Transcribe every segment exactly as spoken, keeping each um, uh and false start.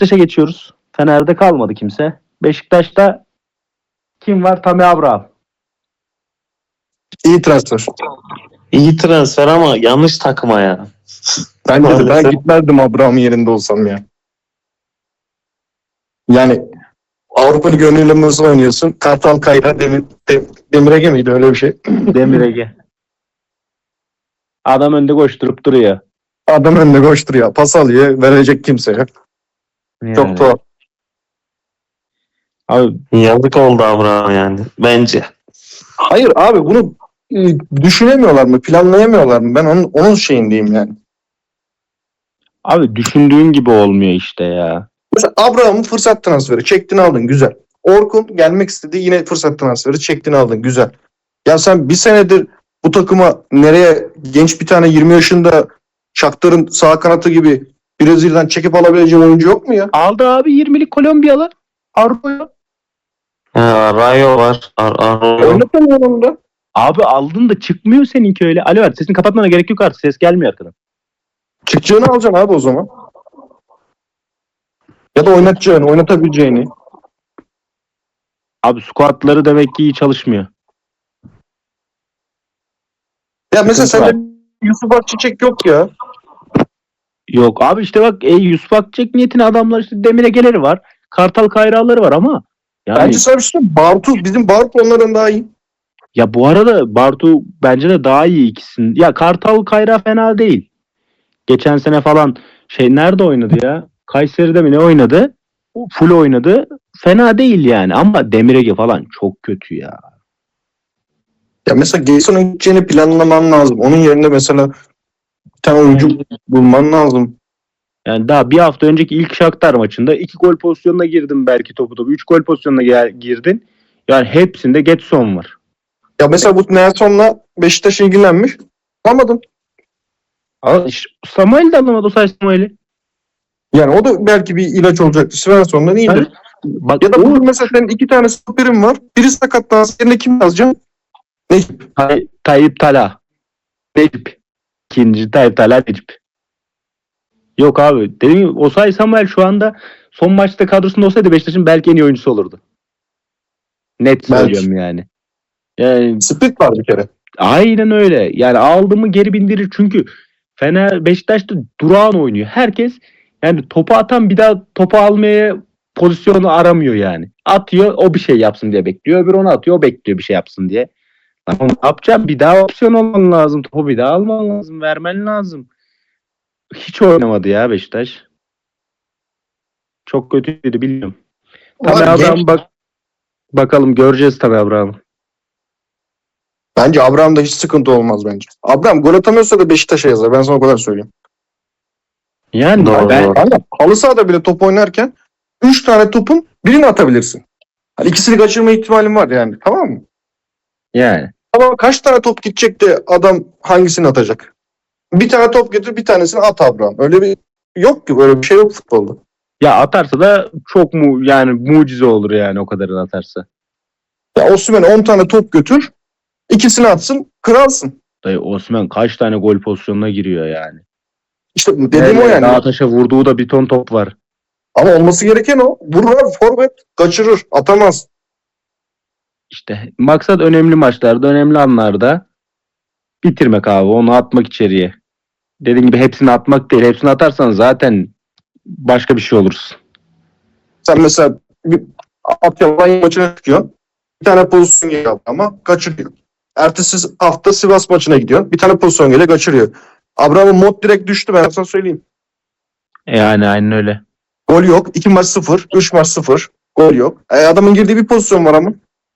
Beşiktaş'a geçiyoruz. Fener'de kalmadı kimse. Beşiktaş'ta kim var? Tammy Abraham. İyi transfer. İyi transfer ama yanlış takıma ya. Bence de ben Maalesef. gitmezdim Abraham'ın yerinde olsam ya. Yani Avrupa Ligi önüyle nasıl oynuyorsun? Kartal Kayra Demir, Dem, Demirege miydi öyle bir şey? Demir Ege. Adam önde koşturup duruyor. Adam önüne koşturuyor. Pas alıyor. Verecek kimse yok. Yani. Çok tuhaf. Abi, Yazık oldu Abraham yani. Bence. Hayır abi bunu e, düşünemiyorlar mı? Planlayamıyorlar mı? Ben onun, onun şeyindeyim yani. abi düşündüğün gibi olmuyor işte ya. Mesela Abraham'ın fırsat transferi. Çektin aldın. Güzel. Orkun gelmek istedi. Yine fırsat transferi. Çektin aldın. Güzel. Ya sen bir senedir bu takıma nereye genç bir tane yirmi yaşında Shakhtar'ın sağ kanatı gibi Brezilya'dan çekip alabileceğin oyuncu yok mu ya? Aldı abi yirmilik Kolombiyalı. Arroyo. Ha, Rayo var. Ar Arroyo. Oynatamıyor onu da. Abi aldın da çıkmıyor seninki öyle. Alo abi sesini kapatmana gerek yok artık. Ses gelmiyor arkadan. Çıkacağını alacaksın abi o zaman. Ya da oynatacağını, oynatabileceğini. Abi squatları demek ki iyi çalışmıyor. Ya mesela Sıkıntı sende Yusuf Akçiçek yok ya. Yok abi işte bak e, Yusuf Akçek niyetine adamlar işte Demir Ege'leri var. Kartal Kayraları var ama yani Bence sana bir şey söyleyeyim mi? Bartu, bizim Bartu onların daha iyi. ya bu arada Bartu bence de daha iyi ikisinin. Ya Kartal Kayra fena değil. Geçen sene falan şey nerede oynadı ya? Kayseri'de mi ne oynadı? Full oynadı. Fena değil yani ama Demir Ege falan çok kötü ya. Ya mesela Gelson'un gideceğini planlaman lazım. Onun yerine mesela bir tane oyuncu bulman lazım. Yani daha bir hafta önceki ilk Shakhtar maçında iki gol pozisyonuna girdin belki topu topu. Üç gol pozisyonuna gel- girdin. Yani hepsinde Getson var. Ya mesela bu Nelson'la Beşiktaş ilgilenmiş. Alamadın. Ama işte Samuel de alamadı o sayede Samuel'i. Yani o da belki bir ilaç olacaktı. Svensson'dan iyidir. Bak Ya da o bugün mesela senin iki tane stoperin var. Biri sakatlansın. Yerine kim yazacaksın? Necip. Tay- Tayyip Tala. Necip. İkinci Tayyip Tala Necip. Yok abi. Dediğim gibi Osay Samuel şu anda son maçta kadrosunda olsaydı Beşiktaş'ın belki en iyi oyuncusu olurdu. Net Belki. söylüyorum yani. Yani Split var bir kere. aynen öyle. Yani aldı mı geri bindirir. Çünkü Fener Beşiktaş'ta durağan oynuyor. Herkes yani topu atan bir daha topu almaya pozisyonu aramıyor yani. Atıyor o bir şey yapsın diye bekliyor. Öbürü onu atıyor o bekliyor bir şey yapsın diye. Lan oğlum ne yapacağım? Bir daha opsiyon olman lazım. Topu bir daha alman lazım. Vermen lazım. Hiç oynamadı ya Beşiktaş. Çok kötüydü biliyorum. Tabii Var, Abraham genç. bak bakalım göreceğiz tabii Abraham'ı. Bence Abraham'da hiç sıkıntı olmaz bence. Abraham gol atamıyorsa da Beşiktaş'a yazar. Ben sana o kadar söyleyeyim. Yani Doğru, ben doğru. Ama halı sahada bile top oynarken üç tane topun birini atabilirsin. Hani ikisini kaçırma ihtimalin var yani. Tamam mı? yani Ama kaç tane top gidecek de adam hangisini atacak? Bir tane top getir bir tanesini at Abraham. Öyle bir yok ki, böyle bir şey yok futbolda. ya atarsa da çok mu yani mucize olur yani o kadarını atarsa. Ya Osimhen on tane top götür, ikisini atsın, kralsın. Dayı Osman kaç tane gol pozisyonuna giriyor yani. İşte dediğim o yani. Dağ taşa vurduğu da bir ton top var. Ama olması gereken o. Vurur abi, forvet kaçırır, atamaz. İşte maksat önemli maçlarda, önemli anlarda bitirmek abi. Onu atmak içeriye. Dediğim gibi hepsini atmak değil. Hepsini atarsan zaten başka bir şey olursun. Sen mesela bir Alanya maçına çıkıyorsun. Bir tane pozisyon geliyor ama kaçırıyor. Ertesi hafta Sivas maçına gidiyor. Bir tane pozisyon geliyor, kaçırıyor. Abraham'ın mod direkt düştü, ben sana söyleyeyim. Yani aynen öyle. Gol yok. iki maç sıfır. Üç maç sıfır. Gol yok. E, adamın girdiği bir pozisyon var ama.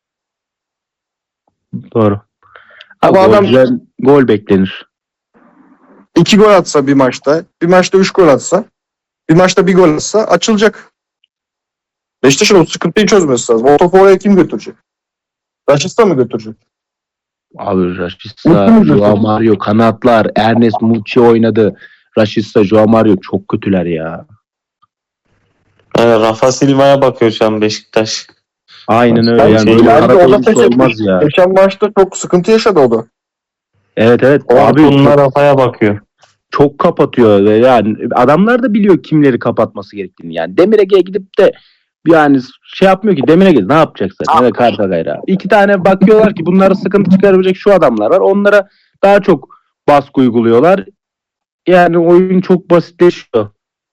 Doğru. Ama Abi adam- golcüden gol beklenir. iki gol atsa bir maçta, bir maçta üç gol atsa, bir maçta bir gol atsa açılacak. Beşiktaş'ın o sıkıntıyı çözmesi lazım. O topu oraya kim götürecek? Raşit'e mı götürecek? Abi Rashica, Mutlu musun? Joao Mario, kanatlar, Ernest Muçi oynadı. Rashica, Joao Mario çok kötüler ya. Yani Rafa Silva'ya bakıyor şu an Beşiktaş. Aynen öyle. Ben Yani şey- böyle Yani arada o da oyuncusu pes etmiş. olmaz ya. Geçen maçta çok sıkıntı yaşadı o da. Evet evet. Abi Orkun'la çok, Rafa'ya bakıyor. çok kapatıyor ve yani adamlar da biliyor kimleri kapatması gerektiğini. Yani Demir Ege'ye gidip de yani şey yapmıyor ki, Demir Ege ne yapacaksın? Ya da Karta Gayra. İki tane bakıyorlar ki bunlara sıkıntı çıkarabilecek şu adamlar var. Onlara daha çok baskı uyguluyorlar. Yani oyun çok basitleşiyor.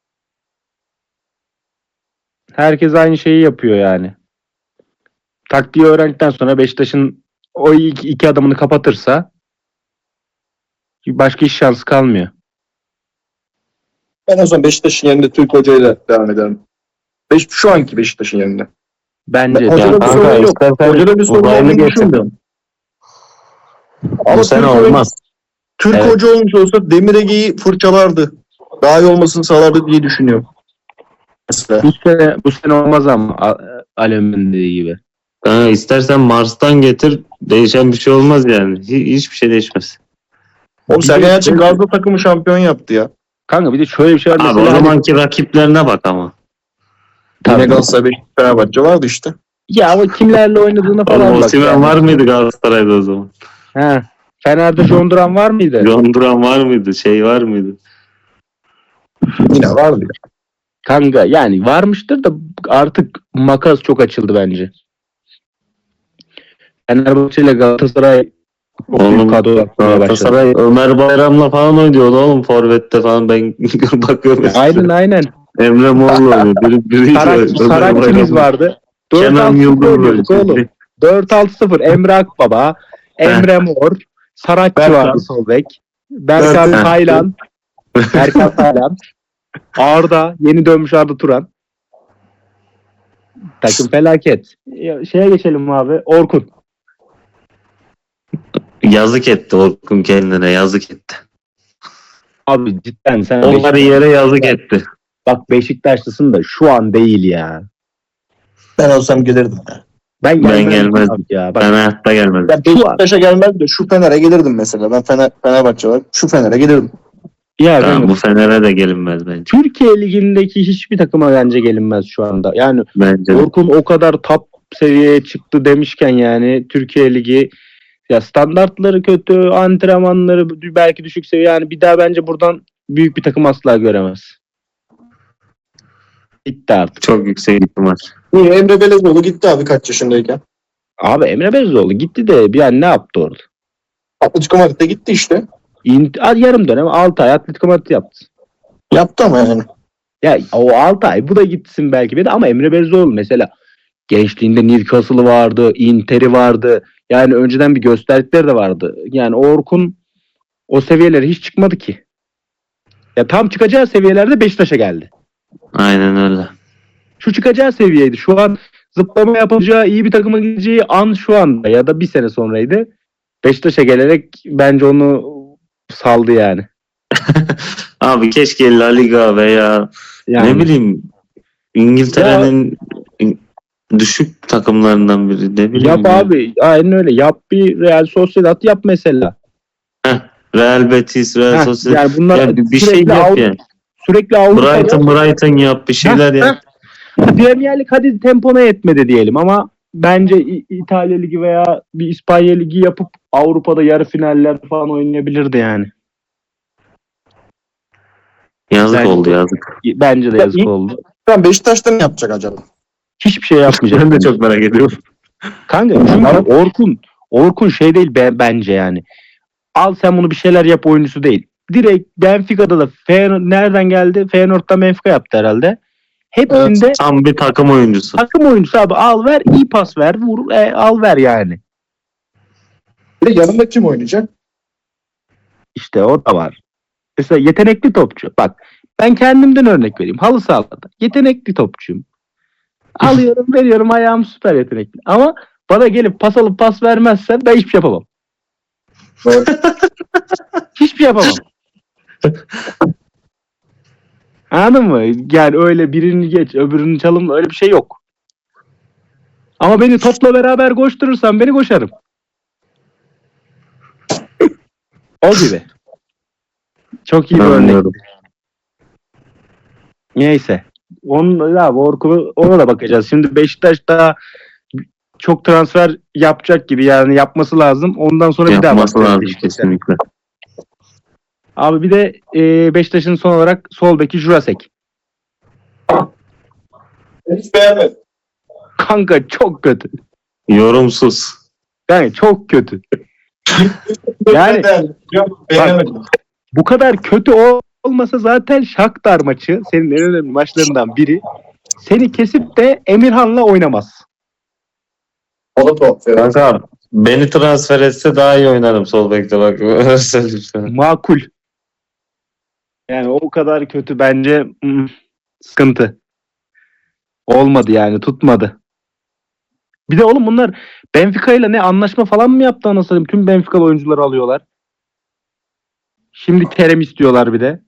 Herkes aynı şeyi yapıyor yani. Taktiği öğrendikten sonra Beşiktaş'ın o iki, iki adamını kapatırsa başka iş şansı kalmıyor. Ben o zaman Beşiktaş'ın yerinde Türk hocayla devam ederim. Beş, şu anki Beşiktaş'ın yerinde. Bence Ben- hocada de. bir kanka, sorun yok. istersen Hocada bir sorun uzaylı olduğunu getir. düşünmüyorum. Bu sene Türk hoca- olmaz. Türk Evet. hoca olmuş olsa Demir Ege'yi fırçalardı. Daha iyi olmasını sağlardı diye düşünüyorum. Mesela. Bu sene, bu sene olmaz ama A- Alem'in dediği gibi. Kanka, istersen Mars'tan getir. Değişen bir şey olmaz yani. Hi- hiçbir şey değişmez. Oğlum Bir Sergen de- Yalçın Gazze takımı şampiyon yaptı ya. Kanka bir de şöyle bir şey var. Abi Mesela o hani- zamanki rakiplerine bak ama. Tabii. Yine Galatasaray, Beşiktaş, Fenerbahçe vardı işte. Ya ama kimlerle oynadığına falan Oğlum bak. Osimhen yani. var mıydı Galatasaray'da o zaman? He. Fener'de John Duran var mıydı? John Duran var mıydı? Şey var mıydı? Yine vardı ya. Kanka yani varmıştır da artık makas çok açıldı bence. Fenerbahçe ile Galatasaray Oğlum, büyük kadro yapmaya başladı. Galatasaray Ömer Bayram'la falan oynuyordu oğlum Forvet'te falan, ben bakıyorum. Aynen aynen. Emre Mor'la oynuyor. Biri, biri Sarak, Sarakçımız vardı. Kenan Yıldız oynuyorduk oğlum. böyle. dört altı sıfır Emre Akbaba, Emre Mor, Sarakçı Berkan. vardı sol bek. Berkan Berkan. Taylan, Berkan Taylan, Arda, yeni dönmüş Arda Turan. Takım felaket. Ya, şeye geçelim abi. Orkun. Yazık etti Orkun, kendine yazık etti. Abi cidden sen Onları Beşiktaş- yere yazık etti. bak Beşiktaşlısın da şu an değil ya. Ben olsam gelirdim ya. Ben, Ben gelmem gelmezdim. abi ya. Bak, Ben hayatta gelmedim. Ben Beşiktaş'a gelmezdim de şu Fener'e gelirdim mesela. Ben Fener, Fenerbahçe olarak şu Fener'e gelirdim. ya Tamam, ben- bu Fener'e de gelinmez bence. Türkiye Ligi'ndeki hiçbir takıma bence gelinmez şu anda. Yani Bence de. Orkun o kadar top seviyeye çıktı demişken yani Türkiye Ligi ya standartları kötü, antrenmanları belki düşük seviye, yani bir daha bence buradan büyük bir takım asla göremez. Bitti artık. Çok yüksek ihtimal. Niye? Emre Belezoğlu gitti abi kaç yaşındayken. Abi Emre Belözoğlu gitti de bir an ne yaptı orada? Atletico Madrid'de gitti işte. İnt- yarım dönem altı ay Atletico Madrid yaptı. Yaptı ama yani. Ya o altı ay bu da gitsin belki bir de, ama Emre Belözoğlu mesela gençliğinde Newcastle'ı vardı, Inter'i vardı. Yani önceden bir gösterdikleri de vardı. Yani Orkun o seviyelere hiç çıkmadı ki. Ya tam çıkacağı seviyelerde Beşiktaş'a geldi. Aynen öyle. Şu çıkacağı seviyeydi. Şu an zıplama yapacağı, iyi bir takıma gideceği an şu anda ya da bir sene sonraydı. Beşiktaş'a gelerek bence onu saldı yani. Abi keşke La Liga veya Yani ne bileyim İngiltere'nin düşük takımlarından biri, ne bileyim. yap ya. abi. Aynen öyle. Yap, bir Real Sociedad yap mesela. Real Betis, Real Heh, Sociedad. yani bunlar Ya bir, bir şey sürekli yap Avrupa- yani. Sürekli Avrupa'da Brighton, Brighton yap, bir şeyler Heh, yap. Premier Lig hadi tempona yetmedi diyelim ama bence İ- İtalya Ligi veya bir İspanya Ligi yapıp Avrupa'da yarı finaller falan oynayabilirdi yani. Yazık Bence- oldu, yazık. Bence de Ya yazık iyi- oldu. Ben Beşiktaş'ta ne yapacak acaba? Hiçbir şey yapmayacak. Ben de çok merak ediyorum. Kanka çünkü Orkun Orkun şey değil be- bence yani. Al sen bunu bir şeyler yap oyuncusu değil. Direkt Benfica'da da Feyenoord nereden geldi? Feyenoord'da Benfica yaptı herhalde. Hepsinde Tam bir takım oyuncusu. takım oyuncusu abi, al ver, iyi pas ver, vur, e, al ver yani. Bir de yanında kim oynayacak? İşte o da var. Mesela yetenekli topçu. Bak ben kendimden örnek vereyim. Halı sahada yetenekli topçuyum. Alıyorum veriyorum, ayağım süper yetenekli. Ama bana gelip pas alıp pas vermezsen ben hiçbir şey yapamam. Hiçbir şey yapamam. Anladın mı? Yani öyle birini geç öbürünü çalım, öyle bir şey yok. Ama beni topla beraber koşturursan beni koşarım. O gibi. Çok iyi bir örnek. Anlıyorum. Neyse. Onun abi Orkun'u, ona da bakacağız. Şimdi Beşiktaş daha çok transfer yapacak gibi, yani yapması lazım. Ondan sonra bir daha Yapması bakacağız lazım Beşiktaş'a. kesinlikle. Abi bir de e, Beşiktaş'ın son olarak sol beki Jurasek. Hiç beğenmedim. Kanka çok kötü. Yorumsuz. Yani çok kötü. Yani- Yok, beğenemedim. Bu kadar kötü ol- olmasa zaten Shakhtar maçı senin en önemli maçlarından biri. Seni kesip de Emirhan'la oynamaz. O da tuhaf. ya. Kanka beni transfer etse daha iyi oynarım sol bekte bak. Öyle söyleyeyim sana. Makul. Yani o kadar kötü bence hmm, sıkıntı. Olmadı yani tutmadı. Bir de oğlum bunlar Benfica ile ne anlaşma falan mı yaptı anasını satayım? Tüm Benfica'lı oyuncuları alıyorlar. Şimdi Kerem istiyorlar bir de.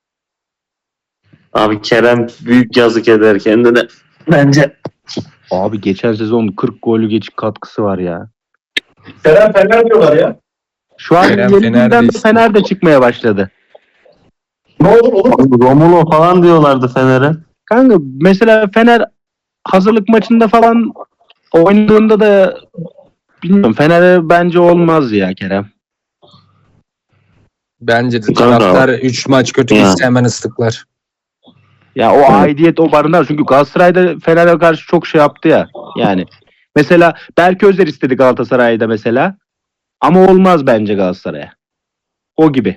Abi Kerem büyük yazık eder kendine. Bence. Abi geçen sezon kırk golü geçik katkısı var ya. Kerem Fener diyorlar ya. Şu an Kerem yeni Fener'de günden de işte. Fener de çıkmaya başladı. Ne olur olur. Romulo falan diyorlardı Fener'e. Kanka mesela Fener hazırlık maçında falan oynadığında da bilmiyorum Fener'e bence olmaz ya Kerem. Bence de Kanka. taraftar üç maç kötü Ya. gitse hemen ıslıklar. Ya o aidiyet o barınar. Çünkü Galatasaray'da Fener'e karşı çok şey yaptı ya. Yani mesela Berke Özer istedi Galatasaray'da mesela. Ama olmaz bence Galatasaray'a. O gibi.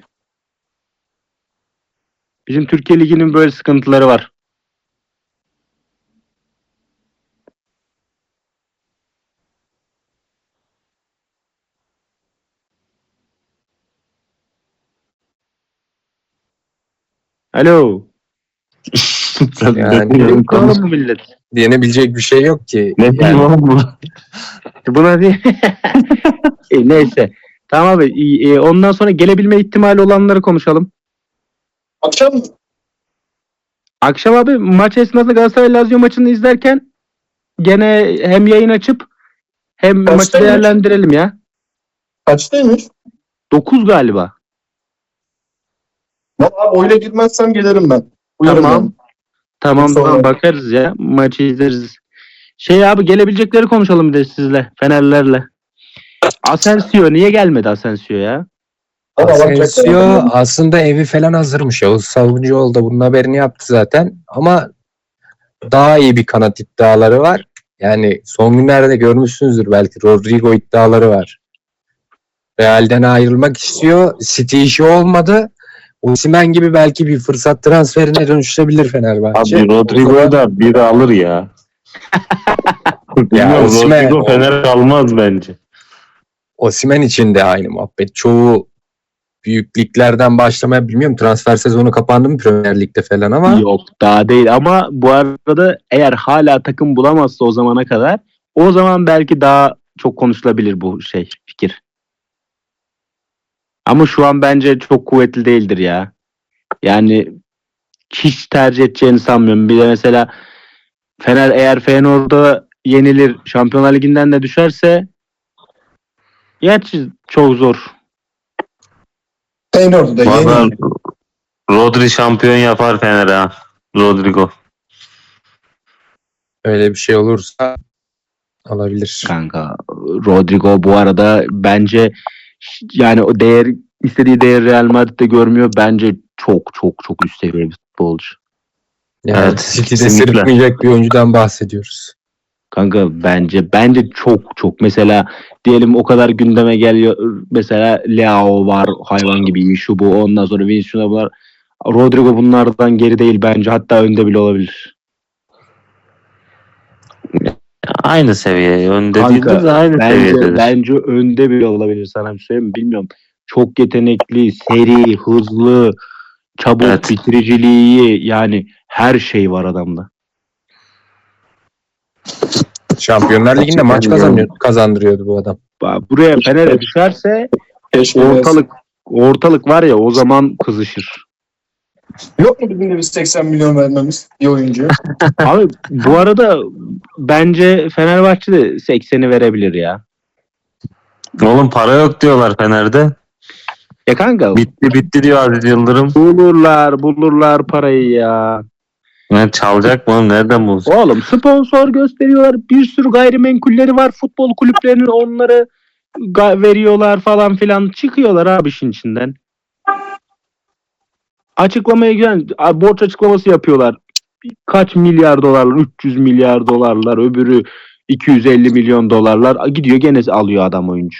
Bizim Türkiye Ligi'nin böyle sıkıntıları var. Alo. Sen Yani- ne diyorsun? Ne oğlum bu millet? Diyenebilecek bir şey yok ki. Ne bileyim oğlum bu? Buna diye. E, neyse. Tamam abi. İyi, e, ondan sonra gelebilme ihtimali olanları konuşalım. Akşam Akşam abi maç esnasında Galatasaray Lazio maçını izlerken gene hem yayın açıp hem maçı Kaçtaymış? değerlendirelim ya. kaçtaymış? dokuz galiba. Valla oyla gitmezsem gelirim ben. Uyarım Tamam. yani. Tamam Sonra- tamam bakarız ya. Maçı izleriz. Şey abi gelebilecekleri konuşalım bir de sizle. Fenerlerle. Asensio niye gelmedi Asensio ya? Ama alacaklar Asensio ama- aslında evi falan hazırmış. Yavuz Savuncuoğlu da bunun haberini yaptı zaten. Ama daha iyi bir kanat iddiaları var. Yani son günlerde görmüşsünüzdür belki Rodrigo iddiaları var. Real'den ayrılmak istiyor. City işi olmadı. Osimhen gibi belki bir fırsat transferine dönüşebilir Fenerbahçe. Abi Rodrigo'yu da biri alır ya. Bilmiyorum, Osimhen- Rodrigo Fener kalmaz bence. Osimhen için de aynı muhabbet. Çoğu büyük liglerden başlamaya bilmiyorum. Transfer sezonu kapandı mı Premier Lig'de falan ama Yok daha değil ama bu arada eğer hala takım bulamazsa o zamana kadar o zaman belki daha çok konuşulabilir bu şey fikir. Ama şu an bence çok kuvvetli değildir ya. Yani hiç tercih edeceğini sanmıyorum. Bir de mesela Fener eğer Feyenoord'a yenilir Şampiyonlar Ligi'nden de düşerse gerçi çok zor. Feyenoord'u da Valla yeni. Rodri şampiyon yapar Fener ha. Rodrigo. öyle bir şey olursa alabilir. Kanka Rodrigo bu arada bence yani o değer istediği değer Real Madrid'de görmüyor. Bence çok çok çok üst seviye bir futbolcu. Yani Evet, City'de kesinlikle. sırıtmayacak bir oyuncudan bahsediyoruz. Kanka bence bence çok çok mesela diyelim o kadar gündeme geliyor mesela Leao var hayvan gibi iyi şu bu ondan sonra Vinicius var. Rodrigo bunlardan geri değil bence hatta önde bile olabilir. Aynı seviye. Önde Kanka, değildir de aynı Bence seviyededir. bence önde bile olabilir sana bir şey söyleyeyim mi? Bilmiyorum. Çok yetenekli, seri, hızlı, çabuk, Evet. bitiriciliği iyi. Yani her şey var adamda. Şampiyonlar Ligi'nde maç Gerçekten kazanıyor, kazandırıyordu bu adam. Bak, buraya Fener'e düşerse Keşke ortalık ortalık var ya o zaman kızışır. Yok mu bizim de bir seksen milyon vermemiz bir oyuncuya? Abi bu arada bence Fenerbahçe de sekseni verebilir ya. Oğlum para yok diyorlar Fener'de. Ya kanka Bitti bitti diyor Aziz Yıldırım. bulurlar bulurlar parayı ya. Yani çalacak mı oğlum? Nereden bulsun? Oğlum sponsor gösteriyorlar. Bir sürü gayrimenkulleri var. Futbol kulüplerinin onları ga- veriyorlar falan filan. Çıkıyorlar abi işin içinden. Açıklamaya güzel. Borç açıklaması yapıyorlar. Kaç milyar dolarlar? üç yüz milyar dolarlar. Öbürü iki yüz elli milyon dolarlar. Gidiyor gene alıyor adam oyuncu.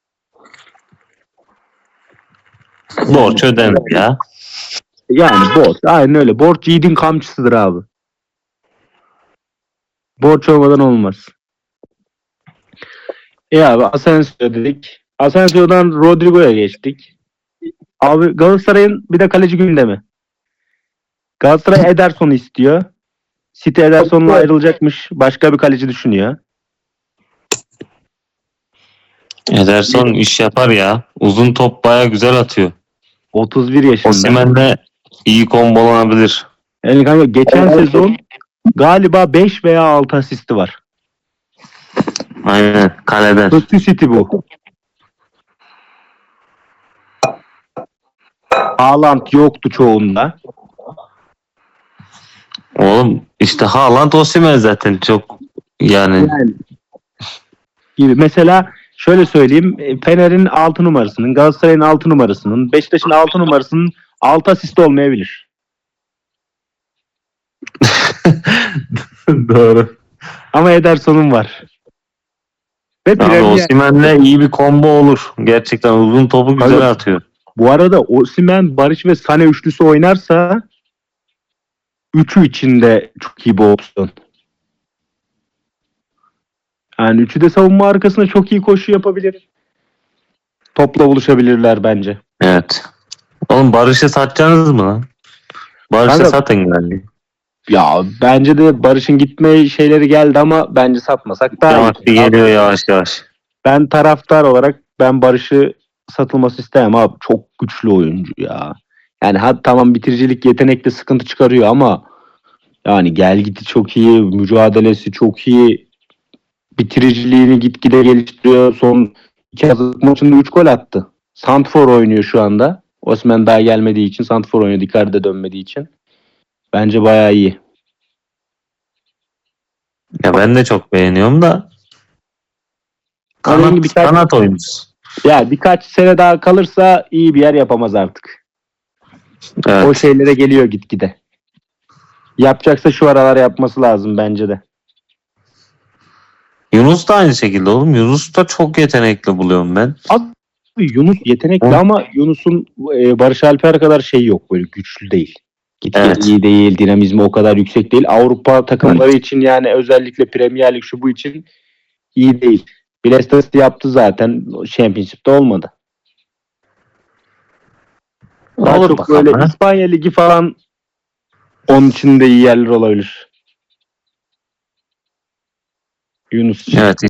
Borç ödenir ya. Yani borç. Aynen öyle. Borç yiğidin kamçısıdır abi. Borç olmadan olmaz. E abi Asensio dedik. Asensio'dan Rodrigo'ya geçtik. Abi Galatasaray'ın bir de kaleci gündemi. Galatasaray Ederson'u istiyor. City Ederson'la ayrılacakmış. Başka bir kaleci düşünüyor. Ederson iş yapar ya. Uzun top baya güzel atıyor. otuz bir yaşında. Osimhen'le iyi kombolanabilir. Yani kanka geçen sezon galiba beş veya altı asisti var. Aynen kaleden. Kötü City bu. Haaland yoktu çoğunda. Oğlum işte Haaland Osimhen zaten çok yani Yani gibi. Mesela şöyle söyleyeyim. e, Fener'in altı numarasının, Galatasaray'ın altı numarasının, Beşiktaş'ın altı numarasının altı asisti olmayabilir. doğru. Ama Ederson'un var. Ve Abi Premier, Osimhen'le iyi bir combo olur. Gerçekten uzun topu güzel Abi, atıyor. bu arada Osimhen, Barış ve Sané üçlüsü oynarsa üçü içinde çok iyi bir opsiyon. Yani üçü de savunma arkasında çok iyi koşu yapabilir. Topla buluşabilirler bence. Evet. Oğlum Barış'ı satacaksınız mı lan? Barış'ı Kanka- satın yani. Ya bence de Barış'ın gitme şeyleri geldi ama bence satmasak daha Yavaş iyi. bir geliyor yavaş yavaş. Ben taraftar olarak ben Barış'ı satılması istemem abi. Çok güçlü oyuncu ya. Yani ha, tamam bitiricilik yetenekte sıkıntı çıkarıyor ama yani gel giti çok iyi, mücadelesi çok iyi. Bitiriciliğini gitgide geliştiriyor. Son iki hazırlık maçında üç gol attı. Santfor oynuyor şu anda. Osimhen daha gelmediği için Santfor oynuyor. Icardi de dönmediği için. Bence bayağı iyi. Ya ben de çok beğeniyorum da Ama kanat, birkaç- kanat oyuncusu. Ya birkaç sene daha kalırsa iyi bir yer yapamaz artık. Evet. O şeylere geliyor gitgide. Yapacaksa şu aralar yapması lazım bence de. Yunus da aynı şekilde oğlum. Yunus da çok yetenekli buluyorum ben. Yunus yetenekli Hı. ama Yunus'un e, Barış Alper kadar şey yok, böyle güçlü değil. Gitgide Evet. iyi değil, dinamizmi o kadar yüksek değil. Avrupa takımları için yani özellikle Premier Lig şu bu için iyi değil. Bielsa yaptı zaten. Championship'te olmadı. Daha Olur çok bakalım. böyle ha. İspanya Ligi falan onun için de iyi yerler olabilir. Yunus için. Evet